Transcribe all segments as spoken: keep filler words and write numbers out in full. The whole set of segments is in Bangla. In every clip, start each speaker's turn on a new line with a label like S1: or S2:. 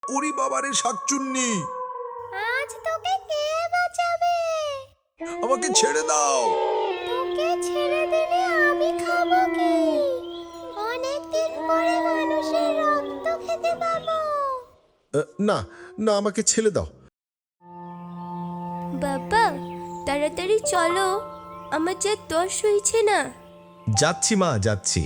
S1: ওরে বাবারে শাকচুন্নি,
S2: আজ তোকে কে বাঁচাবে?
S1: আমাকে ছেড়ে দাও।
S2: তোকে ছেড়ে দিলে আমি খাবো কি? অনেকদিন পরে মানুষের রক্ত খেতে পাবো।
S1: আহ, না না, আমাকে ছেড়ে দাও।
S3: বাবা তাড়াতাড়ি চলো, আমার যে তর হইছে না।
S1: যাচ্ছি মা, যাচ্ছি।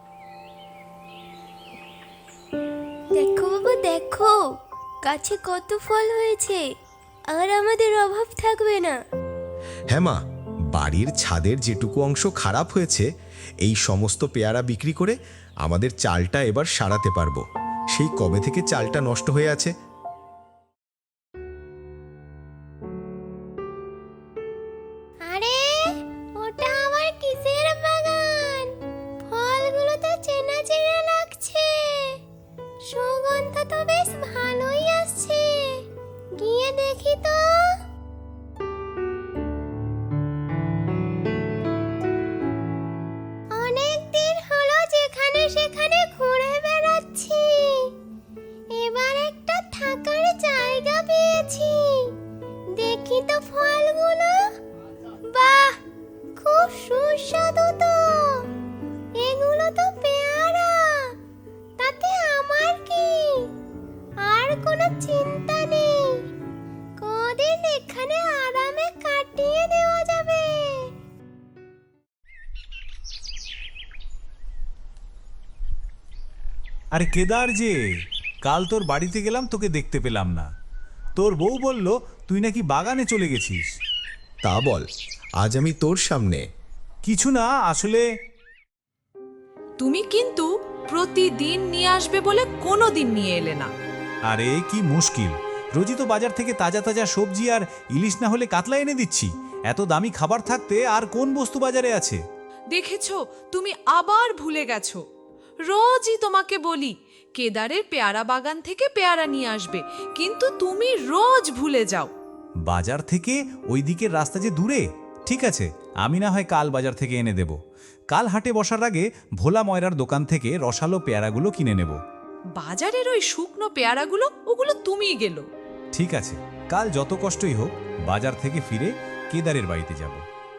S3: দেখো বাবা দেখো, গাছে কত ফল হয়েছে, আর আমাদের অভাব থাকবে না।
S1: হ্যাঁ মা, বাড়ির ছাদের যেটুকু অংশ খারাপ হয়েছে, এই সমস্ত পেয়ারা বিক্রি করে আমাদের চালটা এবার সারাতে পারবো। সেই কবে থেকে চালটা নষ্ট হয়ে আছে।
S2: আরে ওটা আবার কিসের বাগান? ফলগুলো তো চেনা চেনা লাগছে, সুগন্ধ তো বেশ ভালোই আসছে। গিয়ে দেখি তো। অনেক দিন হলো যেখানে সেখানে ঘুরে বেড়াচ্ছি, এবার একটা থাকার জায়গা পেয়েছি। দেখি তো ফলগুলো। বাহ, খুব সুস্বাদু তো। এগুলো তো পেয়ারা, তাতে আমার কি? আর কোনো চিন্তা নেই, কদিন এখানে আরামে কাটিয়ে দেওয়া যাবে।
S4: আরে কেদার যে, কাল তোর বাড়িতে গেলাম, তোকে দেখতে পেলাম না। তোর বউ বলল তুই নাকি বাগানে চলে গেছিস।
S1: তা বল, আজ আমি তোর সামনে।
S4: কিছু না, আসলে
S5: তুমি কিন্তু প্রতিদিন নিয়ে আসবে বলে কোনো দিন নিয়ে এলে না।
S4: আরে কি মুশকিল, রোজই তো বাজার থেকে তাজা তাজা সবজি আর ইলিশ না হলে কাতলা এনে দিচ্ছি। এত দামি খাবার থাকতে আর কোন বস্তু বাজারে আছে?
S5: দেখেছো, তুমি আবার ভুলে গেছো। রোজই তোমাকে বলি কেদারের পেয়ারা বাগান থেকে পেয়ারা নিয়ে আসবে, কিন্তু তুমি রোজ ভুলে যাও।
S4: বাজার থেকে ওই দিকের রাস্তা যে দূরে। ঠিক আছে, আমি না হয় কাল বাজার থেকে এনে দেব। কাল হাটে বসার আগে ভোলা ময়রার দোকান থেকে রসালো পেয়ারাগুলো কিনে নেব।
S5: বাজারের ওই শুকনো পেয়ারাগুলো, ওগুলো তুমিই গেলো।
S4: ঠিক আছে, কাল যত কষ্টই হোক বাজার থেকে ফিরে কেদারের বাড়িতে যাব।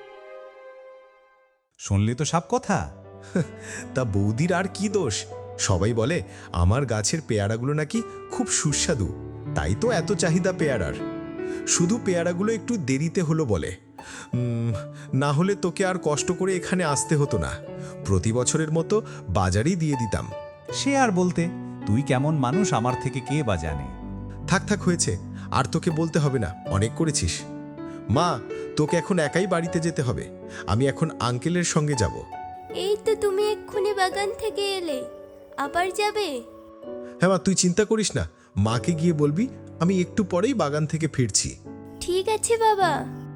S4: শুনলে তো সব কথা।
S1: তা বৌদির আর কি দোষ? সবাই বলে আমার গাছের পেয়ারাগুলো নাকি খুব সুস্বাদু, তাই তো এত চাহিদা পেয়ারার। শুধু পেয়ারাগুলো একটু দেরিতে হলো বলে, উম, না হলে তোকে আর কষ্ট করে এখানে আসতে হতো না। প্রতি বছরের মতো বাজারেই দিয়ে দিতাম।
S4: সে আর বলতে, তুই কেমন মানুষ আমার থেকে কে বা জানে।
S1: থাক থাক হয়েছে, আর তোকে বলতে হবে না, অনেক করেছিস। মা, তোকে এখন একাই বাড়িতে যেতে হবে। আমি এখন আঙ্কেলের সঙ্গে যাব।
S3: এই তো তুমি এক্ষুনি বাগান থেকে এলে, আবার যাবে?
S1: হ্যাঁ মা, তুই চিন্তা করিস না, মাকে গিয়ে বলবি আমি একটু পরেই বাগান থেকে ফিরছি।
S3: ঠিক আছে বাবা।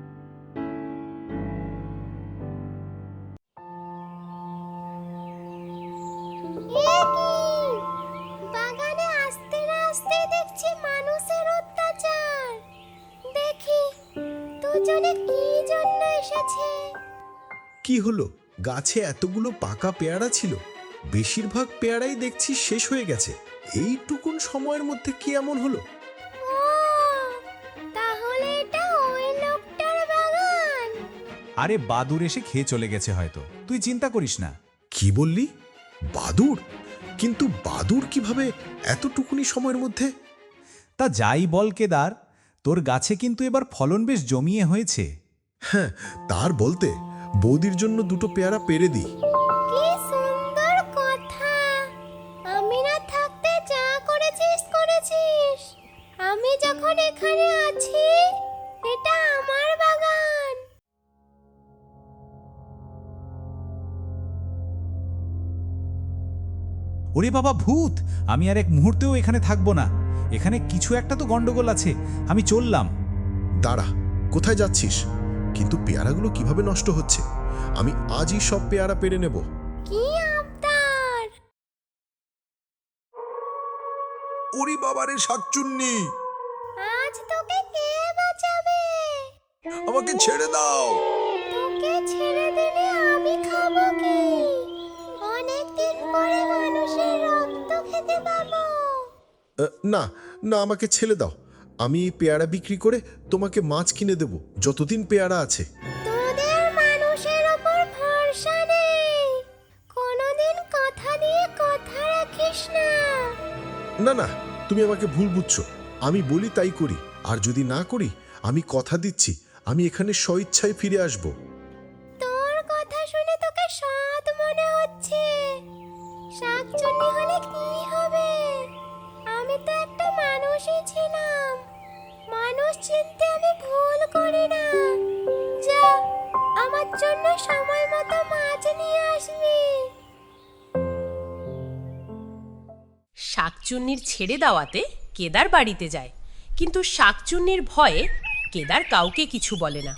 S2: এ কি? বাগানে আসতে না আসতে দেখছি মানুষের অত্যাচার। দেখি দুজনে কি জন্য এসেছে।
S1: কি হলো? গাছে এতগুলো পাকা পেয়ারা ছিল, বেশিরভাগ পেয়ারাই দেখছি শেষ হয়ে গেছে। এইটুকুন সময়ের মধ্যে কি এমন হলো?
S2: ও, তাহলে এটা ওই লোকটার বাগান।
S4: আরে বাদুর এসে খেয়ে চলে গেছে হয়তো, তুই চিন্তা করিস না।
S1: কি বললি? বাদুর? কিন্তু বাদুর কিভাবে এতটুকুনি সময়ের মধ্যে?
S4: তা যাই বল কেদার, তোর গাছে কিন্তু এবার ফলন বেশ জমিয়ে হয়েছে।
S1: হ্যাঁ, তার বলতে বৌদির জন্য দুটো পেয়ারা পেরে দিই।
S2: কি সুন্দর কথা। আমি না থাকতে যা করেছিস করেছিস। আমি যখন এখানে আছি, এটা আমার বাগান।
S4: ওরে বাবা ভূত, আমি আর এক মুহূর্তেও এখানে থাকবো না। এখানে কিছু একটা তো গন্ডগোল আছে, আমি চললাম।
S1: দাঁড়া, কোথায় যাচ্ছিস? কিন্তু পেয়ারাগুলো কিভাবে নষ্ট হচ্ছে? আমি আজই সব পেয়ারা পেরে নেব।
S2: কি আবদার!
S1: ওরে বাবারে শাকচুন্নি,
S2: আজ তোকে কে বাঁচাবে?
S1: আমাকে ছেড়ে দাও।
S2: তোকে ছেড়ে দিলে আমি খাবো কি? অনেকদিন পরে মানুষের রক্ত খেতে পাবো।
S1: আহ, না না, আমাকে ছেড়ে দাও। আমি এই পেয়ারা বিক্রি করে তোমাকে মাছ কিনে দেব যতদিন পেয়ারা আছে।
S2: তোদের মানুষের ওপর ভরসা নেই, কোনোদিন কথা দিয়ে কথা রাখিস না।
S1: না না, তুমি আমাকে ভুল বুঝছো। আমি বলি তাই করি, আর যদি না করি আমি কথা দিচ্ছি আমি এখানে স্বইচ্ছায় ফিরে আসব।
S2: তোর কথা শুনে তোকে সৎ মনে হচ্ছে। শাকচুন্নি হলে কি হবে? আমি তো একটা মানুষই ছিলাম। মানুষ চিনতে আমি ভুল করি না। যা, আমার জন্য সময় মতো মাছ নিয়ে আসবি।
S6: শাকচুন্নির ছেড়ে দেওয়াতে কেদার বাড়িতে যায়, কিন্তু শাকচুন্নির ভয়ে কেদার কাউকে কিছু বলে না।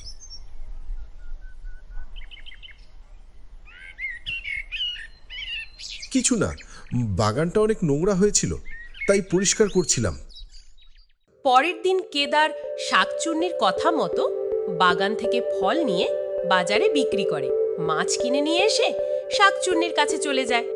S1: কিছু না, বাগানটা অনেক নোংরা হয়েছিল তাই পরিষ্কার করছিলাম।
S6: পরের দিন কেদার শাকচুন্নির কথা মতো বাগান থেকে ফল নিয়ে বাজারে বিক্রি করে। মাছ কিনে নিয়ে এসে শাকচুন্নির কাছে চলে যায়।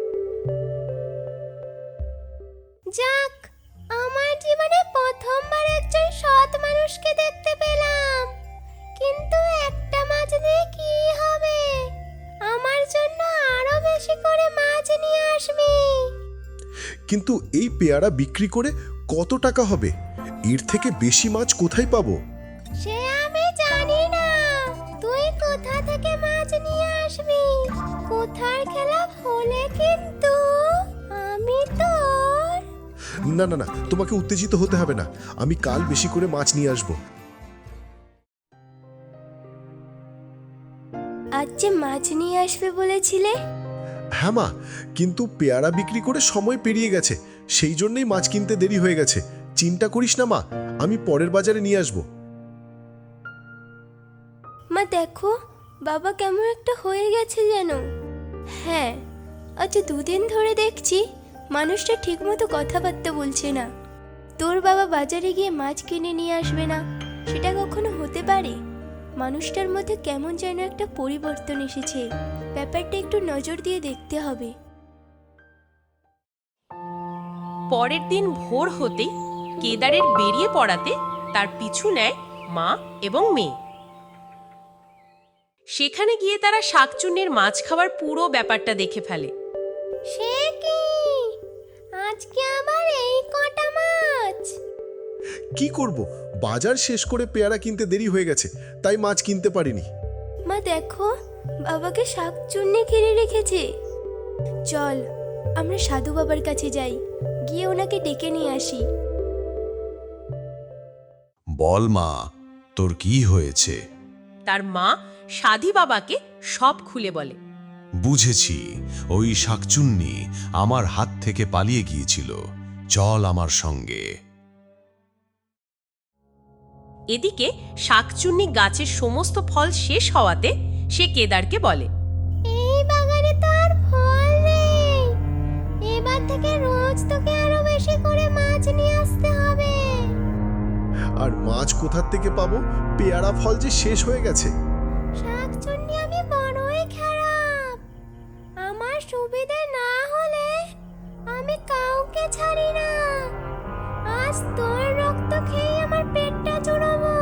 S2: যাক, আমার জীবনে প্রথমবার একজন সৎ মানুষকে দেখতে পেলাম। কিন্তু একটা মাছ দিয়ে কি হবে? আমার জন্য আরো বেশি করে মাছ নিয়ে আসবি।
S1: কিন্তু এই পেয়ারা বিক্রি করে কত টাকা হবে? এর থেকে বেশি মাছ কোথায় পাবো?
S2: সে আমি জানি না। তুই কোথা থেকে মাছ নিয়ে আসবি? কোথার খেলা হলে কিন্তু আমি তোর।
S1: না না না, তোমাকে উত্তেজিত হতে হবে না। আমি কাল বেশি করে মাছ নিয়ে আসব।
S3: আজ যে মাছ নিয়ে আসবে বলেছিলে?
S1: হ্যাঁ মা, কিন্তু পেয়ারা বিক্রি করে সময় পেরিয়ে গেছে, সেই জন্যই মাছ কিনতে দেরি হয়ে গেছে। চিন্তা করিস না মা, আমি পরের বাজারে নিয়ে আসব।
S3: মা দেখো, বাবা কেমন একটা হয়ে গেছে যেন। হ্যাঁ, আজ দুদিন ধরে দেখছি মানুষটা ঠিকমতো কথাবার্তা বলছে না। তোর বাবা বাজারে গিয়ে মাছ কিনে নিয়ে আসবে না, সেটা কখনো হতে পারে? মানুষটার মধ্যে কেমন যেন একটা পরিবর্তন এসেছে। ব্যাপারটা একটু নজর দিয়ে দেখতে হবে।
S6: পরের দিন ভোর হতেই কেদারের বেরিয়ে পড়াতে তার পিছু নেয় মা এবং মেয়ে। সেখানে গিয়ে তারা শাকচুন্নির মাছ খাওয়ার পুরো ব্যাপারটা দেখে ফেলে।
S2: সে কি? আজকে আবার এই কটা মাছ?
S1: কি করব, বাজার শেষ করে পেয়ারা কিনতে দেরি হয়ে গেছে, তাই মাছ কিনতে পারিনি।
S3: মা দেখো, বাবাকে শাকচুন্নি ঘিরে রেখেছে। চল আমরা সাধু বাবার কাছে যাই, গিয়ে ওনাকে ডেকে নিয়ে আসি।
S7: বল মা, তোর কি হয়েছে?
S6: তার মা সাধী বাবাকে সব খুলে বলে।
S7: বুঝেছি, ওই শাকচুন্নি আমার হাত থেকে পালিয়ে গিয়েছিল। চল আমার সঙ্গে।
S6: এদিকে শাকচুন্নি গাছের সমস্ত ফল শেষ হওয়াতে সে কেদারকে বলে,
S2: এই বাগানে তো আর ফল নেই। এবার থেকে রোজ তোকে আরো বেশি করে মাছ নিয়ে আসতে হবে।
S1: আর মাছ কোথার থেকে পাবো? পেয়ারা ফল যে শেষ হয়ে গেছে।
S2: শাকচুন্নি আমি বড়ই খারাপ। আমার সুবিধে না হলে আমি কাউকে ছাড়ি না। আজ তোর রক্ত খেয়ে আমার পেটটা জুড়াবো।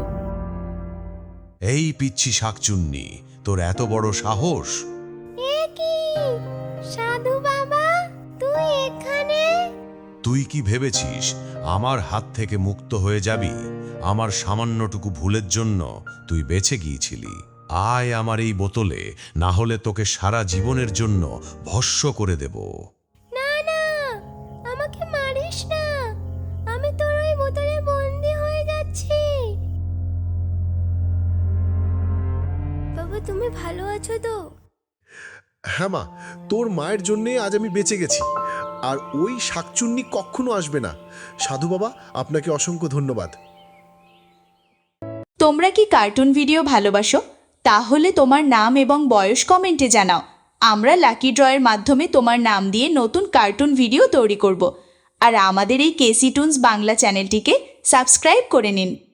S7: এই পিচ্ছি শাকচুন্নি, তোর এত বড় সাহস!
S2: এ কি সাধু বাবা, তুই এখানে?
S7: তুই কি ভেবেছিস আমার হাত থেকে মুক্ত হয়ে যাবি? আমার সামান্যটুকু ভুলের জন্য তুই বেঁচে গিয়েছিলি। আয় আমার এই বোতলে, না হলে তোকে সারা জীবনের জন্য ভস্ম করে দেব।
S2: না না, আমাকে মারিস না। আমি তোর ওই বোতলে বন্দি হয়ে যাচ্ছি।
S3: বাবা তুমি ভালো আছো তো?
S1: হ্যাঁ মা, তোর মায়ের জন্যে আজ আমি বেঁচে গেছি। আর ওই শাকচুন্নি কখনো আসবে না। সাধু বাবা, আপনাকে অসংখ্য ধন্যবাদ।
S8: তোমরা কি কার্টুন ভিডিও ভালোবাসো? তাহলে তোমার নাম এবং বয়স কমেন্টে জানাও। আমরা লাকি ড্রয়ের মাধ্যমে তোমার নাম দিয়ে নতুন কার্টুন ভিডিও তৈরি করব। আর আমাদের এই কেসি টুনস বাংলা চ্যানেলটিকে সাবস্ক্রাইব করে নিন।